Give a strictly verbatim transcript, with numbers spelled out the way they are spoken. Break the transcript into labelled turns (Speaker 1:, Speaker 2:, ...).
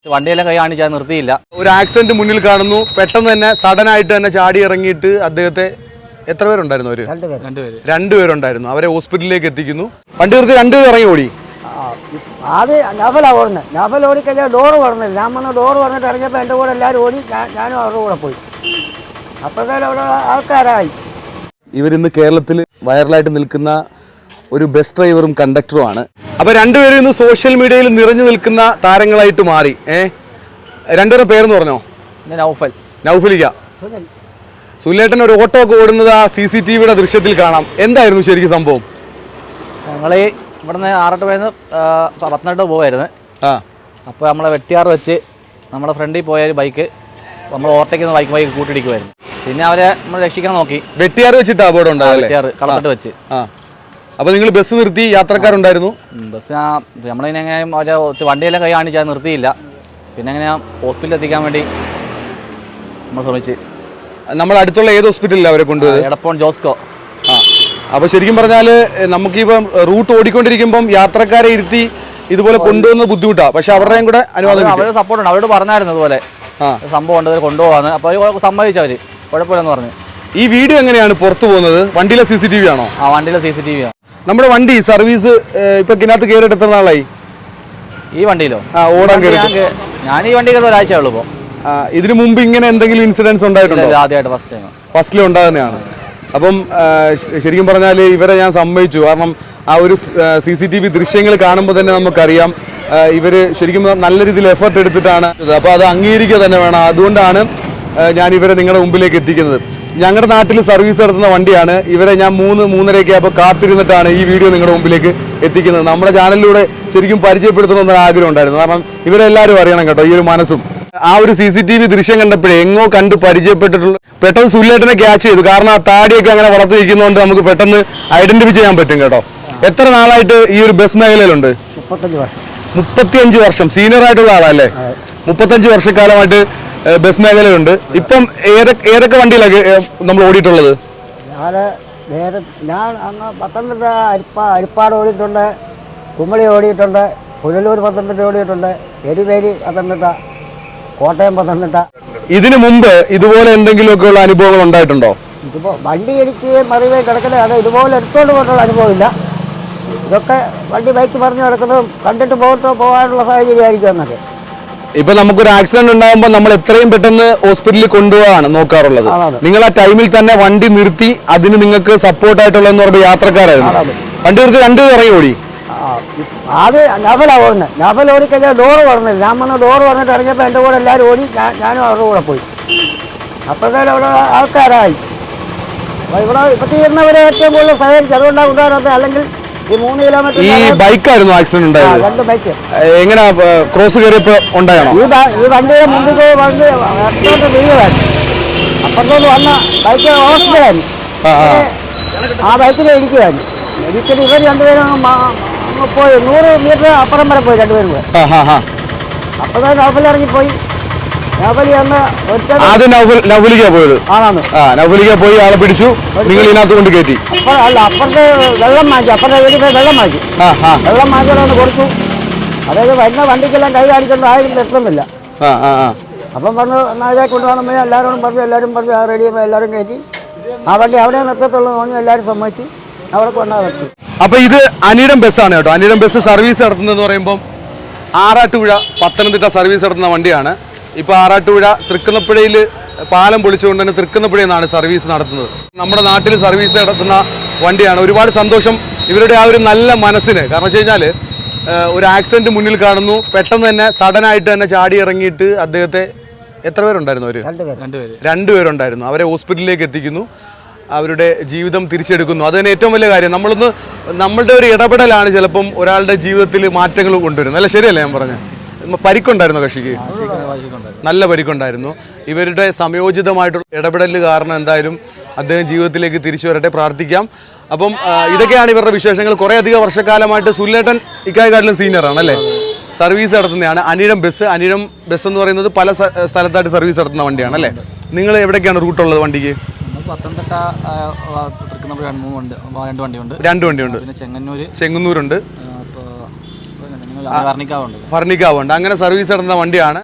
Speaker 1: വണ്ടിയെല്ലാം കൈ കാണിച്ചാൽ നിർത്തിയില്ല.
Speaker 2: ഒരു ആക്സിഡന്റ് മുന്നിൽ കാണുന്നു, പെട്ടെന്ന് തന്നെ സഡൻ ആയിട്ട് തന്നെ ചാടി ഇറങ്ങിയിട്ട് അദ്ദേഹത്തെ എത്ര പേരുണ്ടായിരുന്നു? അവര്
Speaker 1: രണ്ടുപേര്
Speaker 2: രണ്ടുപേരുണ്ടായിരുന്നു. അവരെ ഹോസ്പിറ്റലിലേക്ക് എത്തിക്കുന്നു. വണ്ടി നിർത്തി രണ്ടുപേർ ഇറങ്ങി ഓടി.
Speaker 3: ആദ്യം നഫലാണ് ഓടുന്നത്. നഫൽ ഓടിക്കഴിഞ്ഞാൽ ഡോറ് പറഞ്ഞില്ല. ഞാൻ വന്ന് ഡോറ് പറഞ്ഞിട്ട് ഇറങ്ങിയപ്പോൾ എൻ്റെ കൂടെ എല്ലാവരും ഓടി, ഞാനും അവരുടെ കൂടെ പോയി. അപ്പോഴത്തേക്കും അവിടെ ആൾക്കാരായി.
Speaker 2: ഇവരിന്ന് കേരളത്തിൽ വൈറലായിട്ട് നിൽക്കുന്ന ഒരു ബസ് ഡ്രൈവറും കണ്ടക്ടറുമാണ്. അപ്പൊ രണ്ടുപേരും ഇന്ന് സോഷ്യൽ മീഡിയയിൽ നിറഞ്ഞു നിൽക്കുന്ന താരങ്ങളായിട്ട് മാറി. ഏഹ് രണ്ടുപേരുടെ പേരെന്ന് പറഞ്ഞോ?
Speaker 1: നൗഫൽ,
Speaker 2: നൗഫലിക്ക. സുലേട്ടൻ ഒരു ഓട്ടോ ഒക്കെ ഓടുന്നത് ആ സി സി ടി വിയുടെ ദൃശ്യത്തിൽ കാണാം. എന്തായിരുന്നു ശരിക്കും സംഭവം?
Speaker 1: ഞങ്ങൾ ഇവിടുന്ന് ആറട്ട് പോയെന്ന് പത്തനംതിട്ട പോവായിരുന്നു.
Speaker 2: ആ
Speaker 1: അപ്പോൾ നമ്മളെ വെട്ടിയാറ് വെച്ച് നമ്മുടെ ഫ്രണ്ടിൽ പോയ ഒരു ബൈക്ക് നമ്മൾ ഓവർടേക്കുന്ന ബൈക്ക് ബൈക്ക് കൂട്ടിടിക്കുമായിരുന്നു. പിന്നെ അവരെ നമ്മൾ രക്ഷിക്കാൻ നോക്കി.
Speaker 2: വെട്ടിയാറ് വെച്ചിട്ട് അപകടം ഉണ്ടായല്ലേ?
Speaker 1: വെട്ടിയാറ് കളത്തിട്ട് വെച്ച്.
Speaker 2: ആ അപ്പൊ നിങ്ങൾ ബസ് നിർത്തി, യാത്രക്കാരുണ്ടായിരുന്നു?
Speaker 1: ബസ് നമ്മളിങ്ങനെ എങ്ങനെയും അവരെ വണ്ടിയെല്ലാം കൈ കാണിച്ചാൽ നിർത്തിയില്ല. പിന്നെ എങ്ങനെ ഹോസ്പിറ്റലിൽ എത്തിക്കാൻ വേണ്ടി നമ്മൾ ശ്രമിച്ച്.
Speaker 2: നമ്മൾ അടുത്തുള്ള ഏത് ഹോസ്പിറ്റലിലാണ് അവരെ കൊണ്ടുപോയത്?
Speaker 1: എടപ്പോൺ ജോസ്കോ.
Speaker 2: ആ അപ്പൊ ശരിക്കും പറഞ്ഞാല് നമുക്കിപ്പം റൂട്ട് ഓടിക്കൊണ്ടിരിക്കുമ്പം യാത്രക്കാരെ ഇരുത്തി ഇതുപോലെ കൊണ്ടുപോകുന്നത് ബുദ്ധിമുട്ടാണ്. പക്ഷെ അവരുടെയും കൂടെ അനുവാദം,
Speaker 1: അവരുടെ സപ്പോർട്ട് ഉണ്ട്. അവരോട് പറഞ്ഞായിരുന്നു ഇതുപോലെ സംഭവം ഉണ്ട്, കൊണ്ടുപോകാന്ന്. അപ്പൊ സമ്മതിച്ചവര് കുഴപ്പമില്ലെന്ന് പറഞ്ഞു.
Speaker 2: ഈ വീഡിയോ എങ്ങനെയാണ് പുറത്തു പോകുന്നത്? വണ്ടിയിലെ സി സി ടി വി ആണോ?
Speaker 1: ആ വണ്ടിയിലെ സി സി ടി വി ആണ്.
Speaker 2: നമ്മുടെ വണ്ടി സർവീസ് ഇപ്പൊ ഇതിനകത്ത് കയറിയിട്ട് എത്ര നാളായി?
Speaker 1: ഈ വണ്ടിയിലോ?
Speaker 2: ആ ഓടാൻ കയറി.
Speaker 1: ഞാൻ ഈ വണ്ടി കയറി ഒരാഴ്ച ഉള്ളൂ. ഇപ്പൊ
Speaker 2: ഇതിനു മുമ്പ് ഇങ്ങനെ എന്തെങ്കിലും ഇൻസിഡൻസ് ഉണ്ടായിട്ടുണ്ടോ?
Speaker 1: ആദ്യമായിട്ട് ഫസ്റ്റ് ടൈം.
Speaker 2: ഫസ്റ്റിൽ ഉണ്ടാകുന്നതാണ്. അപ്പം ശരിക്കും പറഞ്ഞാൽ ഇവരെ ഞാൻ സമ്മതിച്ചു. കാരണം ആ ഒരു സി സി ടി വി ദൃശ്യങ്ങൾ കാണുമ്പോൾ തന്നെ നമുക്കറിയാം ഇവര് ശരിക്കും നല്ല രീതിയിൽ എഫർട്ട് എടുത്തിട്ടാണ്. അപ്പോൾ അത് അംഗീകരിക്കുക തന്നെ വേണം. അതുകൊണ്ടാണ് ഞാൻ ഇവരെ നിങ്ങളുടെ മുമ്പിലേക്ക് എത്തിക്കുന്നത്. ഞങ്ങളുടെ നാട്ടിൽ സർവീസ് നടത്തുന്ന വണ്ടിയാണ്. ഇവരെ ഞാൻ മൂന്ന് മൂന്നരയൊക്കെ അപ്പോൾ കാത്തിരുന്നിട്ടാണ് ഈ വീഡിയോ നിങ്ങളുടെ മുമ്പിലേക്ക് എത്തിക്കുന്നത്. നമ്മുടെ ചാനലിലൂടെ ശരിക്കും പരിചയപ്പെടുത്തണമെന്നൊരു ആഗ്രഹം ഉണ്ടായിരുന്നു. കാരണം ഇവരെല്ലാവരും അറിയണം കേട്ടോ ഈ ഒരു മനസ്സും. ആ ഒരു സി സി ടി വി ദൃശ്യം കണ്ടപ്പോഴേ എങ്ങോ കണ്ട് പരിചയപ്പെട്ടിട്ടുള്ള പെട്ടെന്ന് സുല്ലേട്ടനെ ക്യാച്ച് ചെയ്തു. കാരണം ആ താടിയൊക്കെ അങ്ങനെ വളർത്തിരിക്കുന്നതുകൊണ്ട് നമുക്ക് പെട്ടെന്ന് ഐഡന്റിഫൈ ചെയ്യാൻ പറ്റും കേട്ടോ. എത്ര നാളായിട്ട് ഈ ഒരു ബസ് മേഖലയിലുണ്ട്?
Speaker 3: മുപ്പത്തഞ്ച് വർഷം.
Speaker 2: മുപ്പത്തിയഞ്ച് വർഷം സീനിയർ ആയിട്ടുള്ള ആളല്ലേ? മുപ്പത്തഞ്ച് വർഷക്കാലമായിട്ട് ബസ് മേഖലയുണ്ട്. ഇപ്പം ഏതൊക്കെ ഏതൊക്കെ വണ്ടിയിലൊക്കെ നമ്മൾ ഓടിയിട്ടുള്ളത്?
Speaker 3: ഞാൻ നേരെ ഞാൻ അന്ന് പത്തനംതിട്ട അരിപ്പ അരിപ്പാട് ഓടിയിട്ടുണ്ട്, കുമളി ഓടിയിട്ടുണ്ട്, പുനലൂർ പത്തനംതിട്ട ഓടിയിട്ടുണ്ട്, എരിവേലി പത്തനംതിട്ട, കോട്ടയം പത്തനംതിട്ട.
Speaker 2: ഇതിനു മുമ്പ് ഇതുപോലെ എന്തെങ്കിലുമൊക്കെ ഉള്ള അനുഭവങ്ങൾ ഉണ്ടായിട്ടുണ്ടോ?
Speaker 3: ഇതിപ്പോൾ വണ്ടി ഇടിക്കുകയും മറിയുകയും കിടക്കുന്നത് അത് ഇതുപോലെ എടുത്തുകൊണ്ട് പോയിട്ടുള്ള അനുഭവമില്ല. ഇതൊക്കെ വണ്ടി ബൈക്ക് പറഞ്ഞു കിടക്കുന്നതും കണ്ടിട്ട് പോകട്ടോ പോകാനുള്ള സാഹചര്യമായിരിക്കും എന്നൊക്കെ.
Speaker 2: ഇപ്പൊ നമുക്കൊരു ആക്സിഡന്റ് ഉണ്ടാകുമ്പോൾ നമ്മൾ എത്രയും പെട്ടെന്ന് ഹോസ്പിറ്റലിൽ കൊണ്ടുപോകാണ് നോക്കാറുള്ളത്. നിങ്ങൾ ആ ടൈമിൽ തന്നെ വണ്ടി നിർത്തി അതിന് നിങ്ങൾക്ക് സപ്പോർട്ടായിട്ടുള്ള എന്ന് പറയുമ്പോൾ യാത്രക്കാരായിരുന്നു. വണ്ടി നിർത്തി രണ്ടുപേർ ഇറങ്ങി ഓടി.
Speaker 3: ആദ്യം നഫലാണ് ഓടുന്നത്. നഫൽ ഓടിക്കഴിഞ്ഞാൽ ഡോറ് പറഞ്ഞില്ല. ഞാൻ വന്ന് ഡോറ് പറഞ്ഞിട്ട് ഇറങ്ങിയപ്പോൾ എൻ്റെ കൂടെ എല്ലാവരും ഓടി, ഞാനും അവരുടെ കൂടെ പോയി. അപ്പോഴത്തേക്കും അവിടെ ആൾക്കാരായി. ഇവിടെ ഇപ്പൊ തീർന്നവരെ ഏറ്റവും കൂടുതൽ സഹകരിച്ചു. അതുകൊണ്ടാണ് ഉണ്ടാകുന്നത്. അല്ലെങ്കിൽ ഈ മൂന്ന് കിലോമീറ്റർ
Speaker 2: ഈ ബൈക്കായിരുന്നു ആക്സിഡന്റ് ഉണ്ടായത്?
Speaker 3: രണ്ട് ബൈക്ക്.
Speaker 2: എങ്ങനെ ക്രോസ് കയറിയപ്പോ ഉണ്ടായണോ?
Speaker 3: ഈ ഈ വണ്ടിയുടെ മുമ്പിൽ വണ്ടി അപ്പുറത്തോട്ട് വീഴുമായിരുന്നു. അപ്പുറത്തോട്ട് വന്ന ബൈക്ക് ഹോസ്പിറ്റലായിരുന്നു. ആ ബൈക്കിനെ ഇടിക്കുമായിരുന്നു. ഇടിച്ചിട്ട് ഇവർ രണ്ടുപേരും പോയി നൂറ് മീറ്റർ അപ്പുറം വരെ പോയി രണ്ടുപേരും കൂടെ. അപ്പോഴത്തെ നൗഫൽ ഇറങ്ങിപ്പോയി. നൗഫലി വന്ന്
Speaker 2: ആദ്യം നൗഫലിക്ക പോയത്
Speaker 3: ആണാണ്.
Speaker 2: നൗഫലിക്ക പോയി ആളെ പിടിച്ചു, നിങ്ങൾ ഇതിനകത്ത് കൊണ്ട് കയറ്റി.
Speaker 3: അപ്പൊ അല്ല അപ്പുറത്തെ വെള്ളം മാറ്റി. അപ്പുറത്തെ വീട്ടിൽ പോയി വെള്ളം മാറ്റി. വെള്ളം മാറ്റിയോടെ കൊടുത്തു. അതായത് വരുന്ന വണ്ടിക്കെല്ലാം കൈ കാണിക്കൊണ്ട് ആരും എത്തുന്നില്ല. അപ്പം പറഞ്ഞു നാളെ കൊണ്ടുപോകണമെന്ന് എല്ലാവരോടും പറഞ്ഞു. എല്ലാവരും പറഞ്ഞു ആ റെഡി എല്ലാവരും കയറ്റി. ആ വണ്ടി അവിടെ നിർത്തത്തുള്ളൂ തോന്നി എല്ലാവരും സമ്മതിച്ചു. അവിടെ കൊണ്ടാൽ നിർത്തി.
Speaker 2: അപ്പൊ ഇത് അനിടം ബസ്സാണ് കേട്ടോ. അനിടം ബസ് സർവീസ് നടത്തുന്നതെന്ന് പറയുമ്പോൾ ആറാട്ടുപുഴ പത്തനംതിട്ട സർവീസ് നടത്തുന്ന വണ്ടിയാണ്. ഇപ്പൊ ആറാട്ടുപുഴ തൃക്കുന്നപ്പുഴയിൽ പാലം പൊളിച്ചുകൊണ്ട് തന്നെ തൃക്കുന്നപ്പുഴയിൽ നിന്നാണ് സർവീസ് നടത്തുന്നത്. നമ്മുടെ നാട്ടിൽ സർവീസ് നടത്തുന്ന വണ്ടിയാണ്. ഒരുപാട് സന്തോഷം ഇവരുടെ ആ ഒരു നല്ല മനസ്സിന്. കാരണം വെച്ച് കഴിഞ്ഞാൽ ഒരു ആക്സിഡന്റ് മുന്നിൽ കാണുന്നു, പെട്ടെന്ന് തന്നെ സഡൻ ആയിട്ട് തന്നെ ചാടി ഇറങ്ങിയിട്ട് അദ്ദേഹത്തെ എത്ര പേരുണ്ടായിരുന്നു? അവര് രണ്ടുപേരുണ്ടായിരുന്നു. അവരെ ഹോസ്പിറ്റലിലേക്ക് എത്തിക്കുന്നു, അവരുടെ ജീവിതം തിരിച്ചെടുക്കുന്നു. അത് തന്നെ ഏറ്റവും വലിയ കാര്യം. നമ്മളൊന്ന് നമ്മളുടെ ഒരു ഇടപെടലാണ് ചിലപ്പം ഒരാളുടെ ജീവിതത്തിൽ മാറ്റങ്ങൾ കൊണ്ടുവരുന്നത്. അല്ല ശരിയല്ലേ ഞാൻ പറഞ്ഞത്? പരിക്കുണ്ടായിരുന്നു കക്ഷിക്ക്? നല്ല പരിക്കുണ്ടായിരുന്നു. ഇവരുടെ സംയോജിതമായിട്ടുള്ള ഇടപെടൽ കാരണം എന്തായാലും അദ്ദേഹം ജീവിതത്തിലേക്ക് തിരിച്ചു വരട്ടെ, പ്രാർത്ഥിക്കാം. അപ്പം ഇതൊക്കെയാണ് ഇവരുടെ വിശേഷങ്ങൾ. കുറേ അധികം വർഷക്കാലമായിട്ട് സുല്ലേട്ടൻ ഇക്കായക്കാട്ടിലും സീനിയറാണ് അല്ലേ? സർവീസ് നടത്തുന്നതാണ് അനിഴം ബസ്. അനിഴം ബസ് എന്ന് പറയുന്നത് പല സ്ഥലത്തായിട്ട് സർവീസ് നടത്തുന്ന വണ്ടിയാണ് അല്ലേ? നിങ്ങൾ എവിടേക്കാണ് റൂട്ടുള്ളത് വണ്ടിക്ക്?
Speaker 1: പത്തനംതിട്ട രണ്ട് വണ്ടിയുണ്ട്.
Speaker 2: രണ്ട് വണ്ടിയുണ്ട്. ചെങ്ങന്നൂരുണ്ട്.
Speaker 1: വർണ്ണിക്കാവുണ്ട്
Speaker 2: ഭരണിക്കാവുണ്ട് അങ്ങനെ സർവീസ് നടത്തുന്ന വണ്ടിയാണ്.